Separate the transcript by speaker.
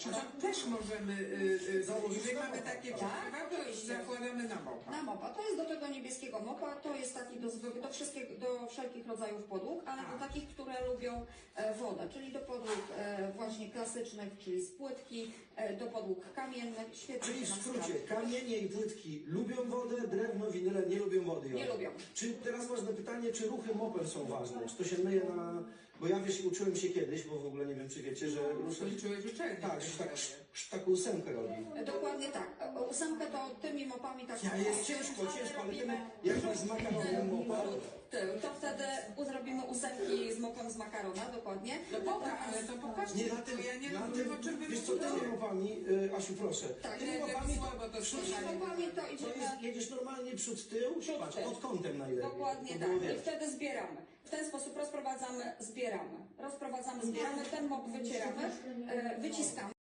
Speaker 1: Czy to też możemy założyć? Jeżeli mamy takie
Speaker 2: Tak,
Speaker 1: to
Speaker 2: oczywiście.
Speaker 1: zakładamy na mopa.
Speaker 2: Na mopa. To jest do tego niebieskiego mopa, to jest taki do wszelkich rodzajów podłóg, ale do takich, które lubią wodę, czyli do podłóg właśnie klasycznych, czyli z płytki, do podłóg kamiennych, świetnie
Speaker 3: Czyli w
Speaker 2: się nam
Speaker 3: skrócie,
Speaker 2: sprawdza.
Speaker 3: kamienie i płytki lubią wodę, drewno, winyle nie lubią wody.
Speaker 2: Nie lubią.
Speaker 3: Czy teraz ważne pytanie, czy ruchy mopem są ważne? Czy to się myje na... Bo ja wiesz, uczyłem się kiedyś, bo w ogóle nie wiem, czy wiecie, że...
Speaker 1: Skończyłeś uczelnię.
Speaker 3: Tak, że taką ósemkę robi.
Speaker 2: Dokładnie tak. Ósemkę to tymi mopami tak
Speaker 3: Ja jest ciężko, ale jak masz z makaronem mopa...
Speaker 2: To wtedy zrobimy ósemki z mopem z makarona, dokładnie.
Speaker 1: No dobra, ale to popatrzcie,
Speaker 3: Nie,
Speaker 1: to ja nie rozumiem, o czym wy
Speaker 3: wiesz co,
Speaker 1: mówicie.
Speaker 3: tymi mopami, Asiu proszę,
Speaker 2: Tak,
Speaker 3: tymi
Speaker 1: nie,
Speaker 3: mopami
Speaker 1: słabo to
Speaker 2: Tymi
Speaker 1: słyszałem.
Speaker 2: mopami to
Speaker 3: to
Speaker 2: idziemy...
Speaker 3: jest, jedziesz normalnie przód, tył,
Speaker 2: Przód,
Speaker 3: patrz,
Speaker 2: tył.
Speaker 3: pod kątem najlepiej.
Speaker 2: Dokładnie
Speaker 3: To
Speaker 2: tak.
Speaker 3: było,
Speaker 2: I
Speaker 3: wiesz.
Speaker 2: wtedy zbieramy. W ten sposób rozprowadzamy, zbieramy. Rozprowadzamy, zbieramy, ten mop wycieramy, wyciskamy.